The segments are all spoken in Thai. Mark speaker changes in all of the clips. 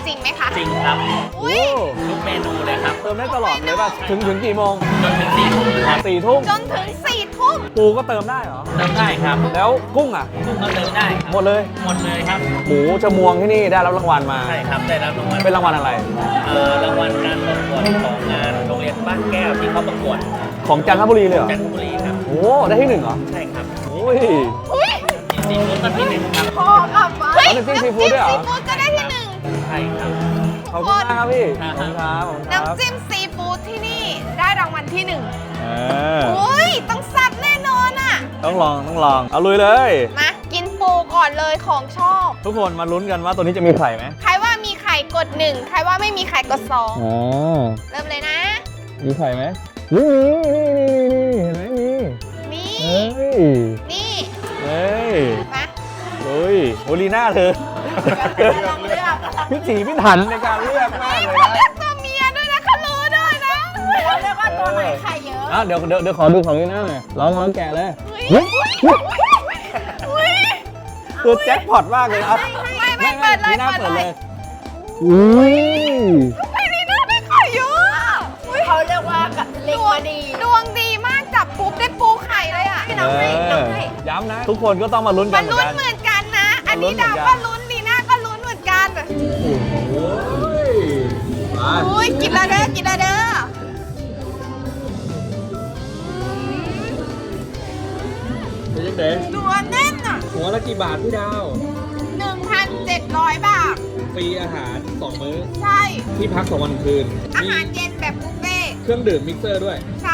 Speaker 1: จริงไหมคะ
Speaker 2: จริงครับ
Speaker 1: อุ้ย
Speaker 2: ทุกเมนูเลยครับ
Speaker 3: เติมได้ตลอดเลยป่ะถึงกี่โมง
Speaker 2: จนถึง4 ทุ่มครับ
Speaker 3: 4 ทุ่ม
Speaker 1: จนถึง4 ทุ่ม
Speaker 3: ปูก็เติมได้เหรอ
Speaker 2: เติมได้ครับ
Speaker 3: แล้วกุ้งอ่ะ
Speaker 2: กุ้งก็เติมได้ครับ
Speaker 3: หมดเลย
Speaker 2: หมดเลยครับ
Speaker 3: หมูชะมวงที่นี่ได้รับรางวัลมา
Speaker 2: ใช่ครับได้รับรางวัล
Speaker 3: เป็นรางวัลอะไร
Speaker 2: รางวัลการประกวดของงานโรงเรียนบ้านแก้วที่เขาประกวด
Speaker 3: ของจันทบุรีเลยเหรอ
Speaker 2: จันทบุรีครับ
Speaker 3: โอ้ได้ที่ 1เหรอ
Speaker 2: ใช่ครับ
Speaker 3: โอ้ย
Speaker 1: อุ้ย
Speaker 2: ซีฟู้ดก็ที่1ครับ
Speaker 1: พอกลับมาเฮ้ย
Speaker 3: น้ำจิ้มซีฟู้ดด้วยเหรอ
Speaker 1: น้ำจิ้มซีฟู้ดก็ได้ที่
Speaker 2: ใช่ครับ
Speaker 3: ขอบคุณมากครับพี่ขอบคุณครับขอบคุณ
Speaker 1: 1
Speaker 3: ครับ
Speaker 1: น้ำจิ้มซีฟู้ดที่นี่ได้รางวัลที่
Speaker 3: เออ
Speaker 1: 1อุ้ยต้องแซ่บแน่นอนอ่ะ
Speaker 3: ต้องลองเอาลุยเลย
Speaker 1: มากินปูก่อนเลยของชอบ
Speaker 3: ทุกคนมาลุ้นกันว่าตัวนี้จะมีไข่ไหม
Speaker 1: ใครว่ามีไข่กด 1 ใครว่าไม่มีไข่กด
Speaker 3: อ๋อ
Speaker 1: 2 เริ่มเลยนะ
Speaker 3: มีไข่ไหมนี่เห็นไหมมี
Speaker 1: นี่
Speaker 3: เฮ้ย
Speaker 1: นี่
Speaker 3: เฮ้ย
Speaker 1: มา
Speaker 3: เฮ้ยโอลีน่าเธอ
Speaker 1: ลองเลือก
Speaker 3: พิถีพิถันในการเลือกมากเลย
Speaker 1: เขาเลื
Speaker 3: นะ
Speaker 1: อกตัวเมียด้วยนะเขารู้ด้วยนะเขาเลือกว่าตัวไหนไข่เยอะ
Speaker 3: อ่ะเดี๋ยวขอดูของลีน่าหน่อยลองแกะเลย
Speaker 1: อุ้ยอุ้ย
Speaker 3: ตัวแจ็คพอตมากเลยครับ
Speaker 1: ไม่เปิดเลย
Speaker 3: ลีน่า
Speaker 1: เปิด
Speaker 3: เปิด
Speaker 1: เล
Speaker 3: เลย ยอุ้ย
Speaker 1: ไอ้นี่น่าได้ไข่เยอะเขาเรียกว่าเล็งมาดีดวงดีมากจับปุ๊บได้ปูไข่เลยอ่ะน้องให้
Speaker 3: ย้ำนะ ทุกคนก็ต้องมาลุ้นกั
Speaker 1: มัน น
Speaker 3: เหมือ
Speaker 1: ลุ้น
Speaker 3: นกัน
Speaker 1: เหมือนกันนะ อันนี้
Speaker 3: มันลุ้นเหมื
Speaker 1: ดา
Speaker 3: อนกัน
Speaker 1: วก็ลุ้นลีน่าก็ลุ้นเหมือนกัน
Speaker 3: โอ้ยมา
Speaker 1: อุ้ยกินละเด้อกินละเด้อ
Speaker 3: เป็นยังไง
Speaker 1: นัวแน่นอ่ะ
Speaker 3: หัวละกี่บาทพี่ดาว
Speaker 1: 1,700 บาท
Speaker 3: ฟรีอาหาร 2 มื้อ
Speaker 1: ใช่
Speaker 3: ที่พัก2 วันคืน
Speaker 1: อาหารเย็นแบบบุฟเฟ่ต์
Speaker 3: เครื่องดื่มมิกเซอร์ด้วย
Speaker 1: ใช่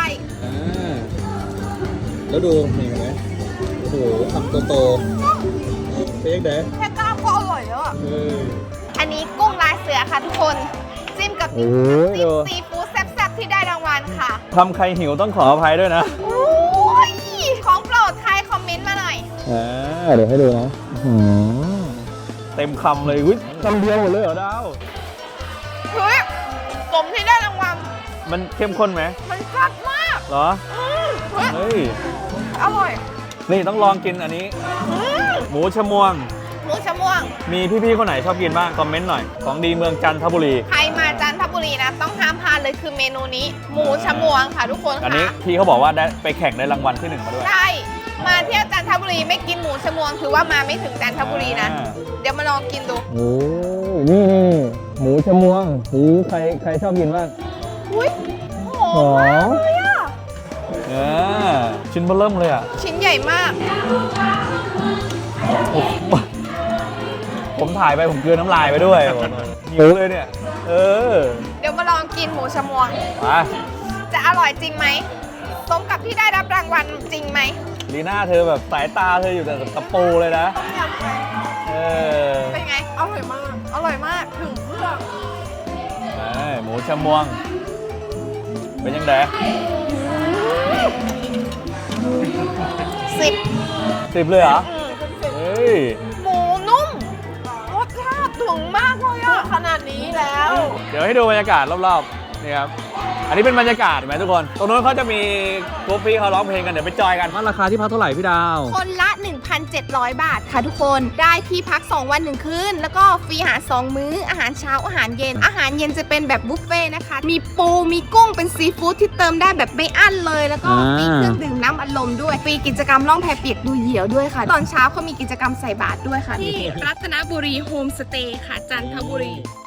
Speaker 3: แล้วดูนี่เห็นไหมโอ้โหคำโตๆเป็นยังไง
Speaker 1: แค่ก้าวก็อร่อยแล้วอ่ะ
Speaker 3: เออ
Speaker 1: อันนี้กุ้งลายเสือค่ะทุกคน จิ้มกับ
Speaker 3: โอ้
Speaker 1: จิ้
Speaker 3: ย
Speaker 1: ม
Speaker 3: ดู
Speaker 1: ซีฟู้ดแซ่บๆที่ได้รางวัลค่ะ
Speaker 3: ทำใครหิวต้องขออภัยด้วยนะ
Speaker 1: โอ้ยของโปรดใครคอมเมนต์มาหน่อย
Speaker 3: เดี๋ยวให้ดูนะเต็มคำเลยวิคำเดียวหมดเลยเหรอดาว
Speaker 1: เฮ้ยสมที่ได้รางวัล
Speaker 3: มันเข้มข้นไหม
Speaker 1: มันแซ่บมาก
Speaker 3: เหรอ
Speaker 1: เฮ้ย
Speaker 3: เฮ้ย
Speaker 1: อร่อย
Speaker 3: นี่ต้องลองกินอันนี้
Speaker 1: อืม
Speaker 3: หมูชะมวง
Speaker 1: หมูชะม่วง
Speaker 3: มีพี่ๆคนไหนชอบกินบ้าง คอมเมนต์หน่อย ของดีเมืองจันทบุรี
Speaker 1: ใครมาจันทบุรีนะ ต้องห้ามพลาดเลยคือเมนูนี้ หมูชะม่วงค่ะทุกคน
Speaker 3: อันนี้
Speaker 1: ค่ะ
Speaker 3: พี่เขาบอกว่าได้ไปแข่งได้รางวัลที่ 1 มาด้วย
Speaker 1: ใช่มาเที่ยวจันทบุรีไม่กินหมูชะม่วงถือว่ามาไม่ถึงจันทบุรีนะ เดี๋ยวมาลองกินดู
Speaker 3: โอ้นี่หมูชะมวงหูใครชอบกินบ้าง
Speaker 1: อุ้ยหอมมากเลยอ่ะ
Speaker 3: ชิ้นเบอร์เริ่มเลยอ่ะ
Speaker 1: ชิ้นใหญ่มาก
Speaker 3: ผมถ่ายไปผมกลืนน้ำลายไปด้วยหิวเลยเนี่ย
Speaker 1: เดี๋ยวมาลองกินหมูชะม่วง
Speaker 3: มา
Speaker 1: จะอร่อยจริงไหมสมกับที่ได้รับรางวัลจริงไหม
Speaker 3: ลีน่าเธอแบบสายตาเธออยู่แต่ตะปูเลยนะเออ
Speaker 1: เป็นไง อร่อยมาก อร่อยมาก ถึงเครื่อง
Speaker 3: หมูชะมวง เป็นยังไง
Speaker 1: 10
Speaker 3: 10เลยเหรอเฮ้ย
Speaker 1: หมูนุ่ม รสชาติถึงมากเลยอะขนาดนี้แล้ว
Speaker 3: เดี๋ยวให้ดูบรรยากาศรอบๆ นี่ครับ อันนี้เป็นบรรยากาศเห็นไหมทุกคน ตรงนู้นเขาจะมีกรุ๊ปพี่เขาร้องเพลงกันเดี๋ยวไปจอยกันว่าราคาที่พักเท่าไหร่พี่ดาว
Speaker 1: คนละ 1,700 บาทค่ะทุกคน ได้ที่พัก 2 วัน 1 คืน แล้วก็ฟรีอาหาร 2 มื้อ อาหารเช้า อาหารเย็น อาหารเย็นจะเป็นแบบบุฟเฟ่ต์นะคะ มีปู มีกุ้ง เป็นซีฟู้ดที่เติมได้แบบไม่อั้นเลย แล้วก็ฟรีเครื่องดื่มน้ำอัดลมด้วย ฟรีกิจกรรมล่องแพเปียกดูเหยี่ยวด้วยค่ะ ตอนเช้าเขามีกิจกรรมใส่บาตรด้วยค่ะ ที่รัตนบุรีโฮมสเตย์ค่ะ จันทบุรี